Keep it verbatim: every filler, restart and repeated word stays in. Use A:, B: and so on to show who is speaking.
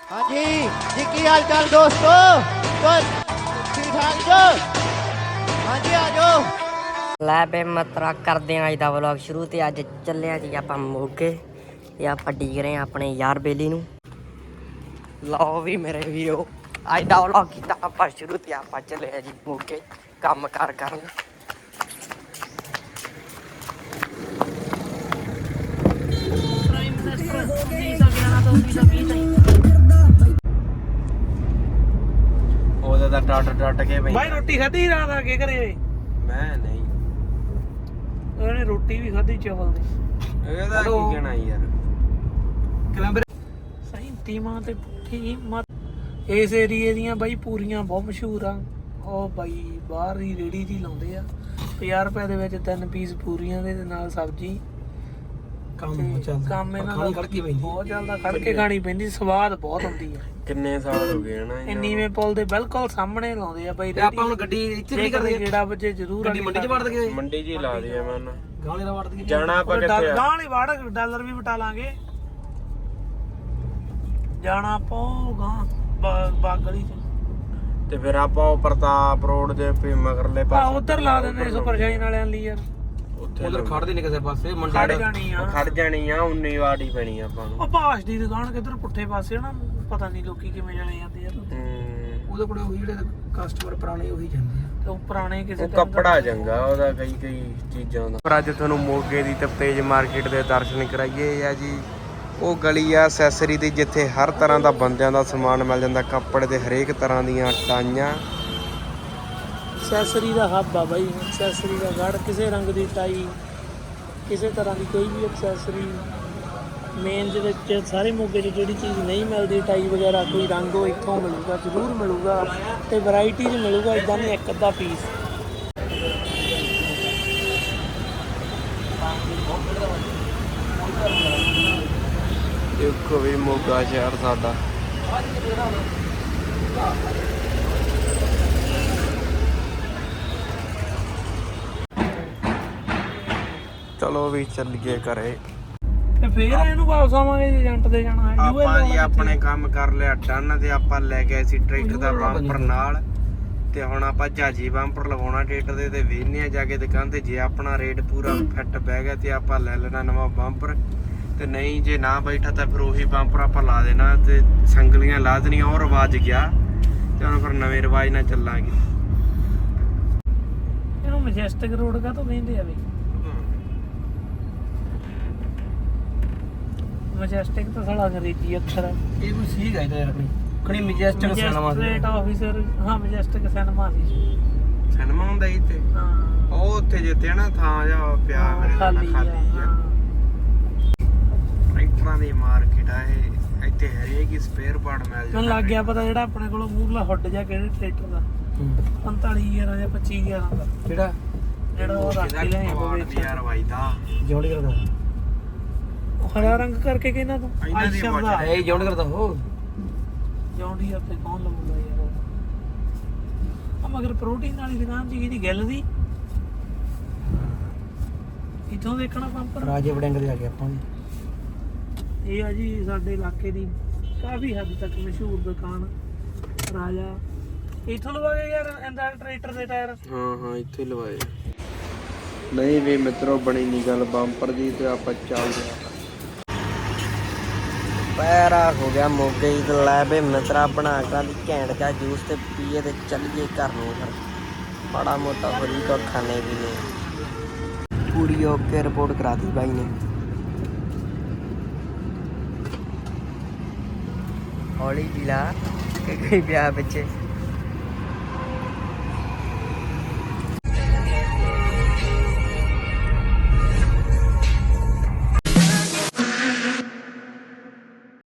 A: हाँ जी जी की हाल चाल दोस्तों तो ठीक ठाक जो हाँ जी आ जाओ
B: ਲੈ ਬੇ ਮਤਰਾ ਕਰਦੇ ਆਂ ਅੱਜ ਦਾ ਵਲੌਗ ਸ਼ੁਰੂ ਤੇ ਅੱਜ ਚੱਲੇ ਆਂ ਜੀ ਆਪਾਂ ਮੋਗੇ ਤੇ ਆਪਾਂ ਡੀਕ ਰਹੇ ਆਂ ਆਪਣੇ ਯਾਰ ਬੇਲੀ ਨੂੰ। ਲਓ ਵੀ ਮੇਰੇ ਵੀਰੋ ਅੱਜ ਦਾ ਵਲੌਗ ਕੀਤਾ ਆਪਾਂ ਸ਼ੁਰੂ ਤੇ ਆਪਾਂ ਚੱਲੇ ਆਂ ਜੀ ਮੋਗੇ ਕੰਮ ਕਾਰ ਕਰਨ।
C: ਉਹਦਾ ਤਾਂ ਟੱਟ ਟੱਟ ਕੇ ਬਈ
D: ਭਾਈ ਰੋਟੀ ਖਾਧੀ ਰਾਤ ਆ ਕੇ ਘਰੇ?
C: ਮੈਂ ਨਹੀਂ
D: ਉਹਨੇ ਰੋਟੀ ਵੀ ਖਾਧੀ ਚਾਵਲ ਦੀ।
C: ਇਹਦਾ ਕੀ ਕਹਿਣਾ ਯਾਰ
D: ਕਲੰਬਰ ਸਹੀ ਟੀਮਾਂ ਤੇ ਪੁੱਠੀ ਮਤ ਇਸ ਏਰੀਏ ਦੀਆਂ ਬਾਈ ਪੂਰੀਆਂ ਬਹੁਤ ਮਸ਼ਹੂਰ ਆ। ਉਹ ਬਾਈ ਬਾਹਰ ਦੀ ਰੇੜੀ ਦੀ ਲਾਉਂਦੇ ਆ ਪੰਜਾਹ ਰੁਪਏ ਦੇ ਵਿੱਚ ਤਿੰਨ ਪੀਸ ਪੂਰੀਆਂ ਦੇ ਨਾਲ ਸਬਜ਼ੀ। ਕੰਮ ਚੱਲਦਾ ਕੰਮ ਇਹਨਾਂ ਦਾ ਖੜਕੇ ਪੈਂਦੀ ਬਹੁਤ ਚੱਲਦਾ ਖੜ ਕੇ ਖਾਣੀ ਪੈਂਦੀ ਸਵਾਦ ਬਹੁਤ ਆਉਂਦੀ ਆ।
C: ਕਿੰਨੇ ਸਾਲ ਹੋ ਗਏ ਨਾ
D: ਇਹ ਨੀਵੇਂ ਪੁਲ ਦੇ ਬਿਲਕੁਲ ਸਾਹਮਣੇ ਲਾਉਂਦੇ ਆ ਬਾਈ।
E: ਆਪਾਂ ਹੁਣ ਗੱਡੀ ਇੱਥੇ ਨਹੀਂ ਕਰਦੇ
D: ਜਿਹੜਾ ਬੱਚੇ ਜ਼ਰੂਰ
E: ਗੱਡੀ ਮੰਡੀ 'ਚ ਵੜ ਦਗੇ
C: ਮੰਡੀ 'ਚ ਹੀ ਲਾ ਦੇ ਮੈਂ ਨਾ
E: ਗਾਲੇ ਨਾਲ ਵੜ ਦਗੇ
C: ਜਾਣਾ ਆਪਾਂ ਕਿੱਥੇ ਆ
D: ਗਾਂ ਵਾਲੀ ਵੜ ਡਾਲਰ ਵੀ ਵਟਾ ਲਾਂਗੇ। ਜਾਣਾ ਆਪਾਂ ਗਾਂ ਬਾਗ ਗਲੀ ਚ
C: ਤੇ ਫਿਰ ਆਪਾਂ ਉਹ ਪ੍ਰਤਾਪ ਰੋਡ ਦੇ ਪੇ ਮਗਰਲੇ
D: ਆ
C: ਪਾਸੇ
D: ਉਧਰ ਲਾ ਦਿੰਦੇ ਸੁਪਰ ਸ਼ਾਈਨ ਵਾਲਿਆਂ ਲਈ ਯਾਰ।
C: ਉੱਥੇ
E: ਉਧਰ ਖੜਦੇ ਨਹੀਂ ਕਿਸੇ ਪਾਸੇ ਮੰਡੀ
D: ਖੜ ਜਾਣੀ ਆ
C: ਖੜ ਜਾਣੀ ਆ ਉਨੀ ਵਾੜੀ ਪੈਣੀ ਆਪਾਂ ਨੂੰ।
D: ਉਹ ਬਾਸ਼ ਦੀ ਦੁਕਾਨ ਕਿੱਧਰ ਪੁੱਠੇ ਪਾਸੇ ਨਾ ਪਤਾ ਨਹੀਂ ਲੋਕੀ ਕਿਵੇਂ ਜਾਣੇ ਜਾਂਦੇ ਯਾਰ।
C: ਹੂੰ
E: ਉਹਦੇ ਕੋਲੇ ਉਹੀ ਜਿਹੜੇ ਕਸਟਮਰ ਪੁਰਾਣੇ ਉਹੀ ਜਾਂਦੇ ਆ
D: ਤੇ ਉਹ ਪੁਰਾਣੇ ਕਿਸੇ
C: ਉਹ ਕੱਪੜਾ ਚੰਗਾ ਉਹਦਾ ਕਈ ਕਈ ਚੀਜ਼ਾਂ ਦਾ। ਪਰ ਅੱਜ ਤੁਹਾਨੂੰ ਮੋਗੇ ਦੀ ਤਪਤੇਜ ਮਾਰਕੀਟ ਦੇ ਦਰਸ਼ਨ ਕਰਾਈਏ ਆ ਜੀ। ਉਹ ਗਲੀ ਆ ਐਕਸੈਸਰੀ ਦੀ ਜਿੱਥੇ ਹਰ ਤਰ੍ਹਾਂ ਦਾ ਬੰਦਿਆਂ ਦਾ ਸਮਾਨ ਮਿਲ ਜਾਂਦਾ। ਕੱਪੜੇ ਦੇ ਹਰੇਕ ਤਰ੍ਹਾਂ ਦੀਆਂ ਟਾਈਆਂ
D: ਐਕਸੈਸਰੀ ਦਾ ਹੱਬ ਆ ਬਾਈ। ਐਕਸੈਸਰੀ ਦਾ ਗੜ ਕਿਸੇ ਰੰਗ ਦੀ ਟਾਈ ਕਿਸੇ ਤਰ੍ਹਾਂ ਦੀ ਕੋਈ ਵੀ ਐਕਸੈਸਰੀ ਮੇਨ ਜਿਹਦੇ ਚ ਸਾਰੇ ਮੋਗੇ 'ਚ ਜਿਹੜੀ ਚੀਜ਼ ਨਹੀਂ ਮਿਲਦੀ ਟਾਈ ਵਗੈਰਾ ਕੋਈ ਰੰਗ ਉਹ ਇੱਥੋਂ ਮਿਲੂਗਾ ਜ਼ਰੂਰ ਮਿਲੂਗਾ ਤੇ ਵੈਰਾਈਟੀ 'ਚ ਮਿਲੂਗਾ। ਇੱਦਾਂ ਨਹੀਂ ਇੱਕ ਅੱਧਾ ਪੀਸ।
C: ਦੇਖੋ ਵੀ ਮੋਗਾ ਸ਼ਹਿਰ ਸਾਡਾ ਚਲੋ ਵੀ ਚੱਲੀਏ ਘਰੇ।
D: ਤੇ ਫੇਰ ਇਹਨੂੰ ਵਾਪਸ ਆਵਾਂਗੇ ਜੇ ਏਜੰਟ ਦੇ ਜਾਣਾ ਹੈ।
C: ਆਪਾਂ ਜੀ ਆਪਣੇ ਕੰਮ ਕਰ ਲਿਆ ਡਨ ਤੇ ਆਪਾਂ ਲੈ ਗਏ ਸੀ ਟਰੈਕਟਰ ਦਾ ਬੰਪਰ ਨਾਲ ਤੇ ਹੁਣ ਆਪਾਂ ਜਾਜੀ ਬੰਪਰ ਲਗਾਉਣਾ ਟਰੈਕਟਰ ਦੇ ਤੇ ਵੇਖਨੇ ਆ ਜਾ ਕੇ ਦੁਕਾਨ ਤੇ। ਜੇ ਆਪਣਾ ਰੇਟ ਪੂਰਾ ਫਿੱਟ ਬਹਿ ਗਿਆ ਤੇ ਆਪਾਂ ਲੈ ਲੈਣਾ ਨਵਾਂ ਬੰਪਰ ਤੇ ਨਹੀਂ ਜੇ ਨਾ ਬੈਠਾ ਤਾਂ ਫਿਰ ਉਹੀ ਬੰਪਰ ਆਪਾਂ ਲਾ ਦੇਣਾ ਤੇ ਸੰਗਲੀਆਂ ਲਾ ਦੇਣੀਆਂ। ਉਹ ਰਿਵਾਜ ਗਿਆ ਤੇ ਹੁਣ ਫਿਰ ਨਵੇਂ ਰਿਵਾਜ ਨਾਲ ਚੱਲਾਂਗੇ।
D: ਇਹਨੂੰ ਮੈਜੈਸਟਿਕ ਰੋਡ ਕਾ ਤੋਂ ਕਹਿੰਦੇ ਆ ਵੀ। ਮੈਜੈਸਟਿਕ ਤਾਂ ਸਾਲਾ ਅੰਗਰੇਜ਼ੀ ਅੱਖਰ ਹੈ।
E: ਇਹ ਕੋਈ ਸੀਗ ਹੈ ਯਾਰ ਆਪਣੀ ਖਣੀ ਮੈਜੈਸਟਿਕ ਸਿਨੇਮਾ
D: ਮੈਜਿਸਟ੍ਰੇਟ ਆਫੀਸਰ ਹਾਂ ਮੈਜੈਸਟਿਕ ਸਿਨੇਮਾ ਸੀ।
C: ਸਿਨੇਮਾ ਹੁੰਦਾ ਇੱਥੇ
D: ਹਾਂ
C: ਉਹ ਉੱਥੇ ਜਿੱਤੇ ਨਾ ਥਾਂ ਜਾ ਪਿਆ ਮੇਰੇ ਨਾਲ
D: ਖਾਲੀ
C: ਖਾਲੀ
D: ਆ।
C: ਆ। ਟਰੈਕਟਰਾਂ ਦੀ ਮਾਰਕੀਟ ਆ ਇਹ। ਇੱਥੇ ਹਰੇਕ ਹੀ ਸਪੇਅਰ ਪਾਰਟ ਮਿਲ ਜਾਂਦਾ।
D: ਮੈਨੂੰ ਲੱਗ ਗਿਆ ਪਤਾ ਜਿਹੜਾ ਆਪਣੇ ਕੋਲ ਮੂਰਲਾ ਹੁੱਡ ਜਾ ਕਿਹੜੇ ਟਰੈਕਟਰ ਦਾ ਪੰਤਾਲੀ ਹਜ਼ਾਰ ਜਾਂ ਪੱਚੀ ਹਜ਼ਾਰ ਦਾ
E: ਕਿਹੜਾ
D: ਜਿਹੜਾ ਉਹ ਰੱਖ ਕੇ ਲਿਆਏ ਹੋਵੇ
C: ਯਾਰ ਵਾਈਦਾ
E: ਜੌਂਡੀ ਕਰਦਾ
D: ਉਹ ਹਰਾ ਰੰਗ ਕਰਕੇ ਕਹਿੰਦਾ ਤੂੰ
C: ਇਹਨਾਂ ਦੀ
D: ਆਇਸ਼ਰ ਦਾ
E: ਇਹ ਜੌਂਡੀ ਕਰਦਾ ਉਹ
D: ਜੌਂਡੀ ਉੱਤੇ ਕੌਣ ਲਵਾਉਂਦਾ ਯਾਰ ਉਹ। ਆ ਮਗਰ ਪ੍ਰੋਟੀਨ ਵਾਲੀ ਦੁਕਾਨ ਜੀ ਦੀ ਗੱਲ ਦੀ ਇੱਥੋਂ ਦੇਖਣਾ ਪੰਪ
E: ਰਾਜੇ ਵੜਿੰਗ ਦੇ ਆ ਗਏ ਆਪਾਂ
D: ਇਹ ਆ ਜੀ ਸਾਡੇ ਇਲਾਕੇ ਦੀ ਕਾਫੀ ਹੱਦ ਤੱਕ ਮਸ਼ਹੂਰ ਦੁਕਾਨ ਰਾਜਾ। ਇੱਥੋਂ ਲਵਾਏ ਯਾਰ ਇਹਦਾ ਟਰੈਕਟਰ ਦੇ ਟਾਇਰ।
C: ਹਾਂ ਹਾਂ ਇੱਥੇ ਲਵਾਏ। ਨਹੀਂ ਵੀ ਮਿੱਤਰੋ ਬਣੀ ਨਹੀਂ ਗੱਲ ਬੰਪਰ ਦੀ ਤੇ ਆਪਾਂ ਚੱਲਦੇ ਆ।
B: ਪੈਰਾ ਹੋ ਗਿਆ ਮੋਗੇ ਹੀ ਤੇ ਲੈ ਬੇ ਮਿੱਤਰਾ ਬਣਾ ਕੇ ਦੀ ਘੈਂਟ ਜਾ ਜੂਸ ਤੇ ਪੀਏ ਤੇ ਚੱਲੀਏ ਘਰ ਨੂੰ। ਫਿਰ ਬੜਾ ਮੋਟਾ ਹੋ ਜੀ ਕੋ ਖਾਣੇ ਵੀ ਨੇ ਪੂਰੀ ਓਕੇ ਰਿਪੋਰਟ ਕਰਾ ਦੀ ਬਾਈ ਨੇ। ਹੌਲੀ ਜਿਲਾ ਕਿ ਕੋਈ ਪਿਆ ਬੱਚੇ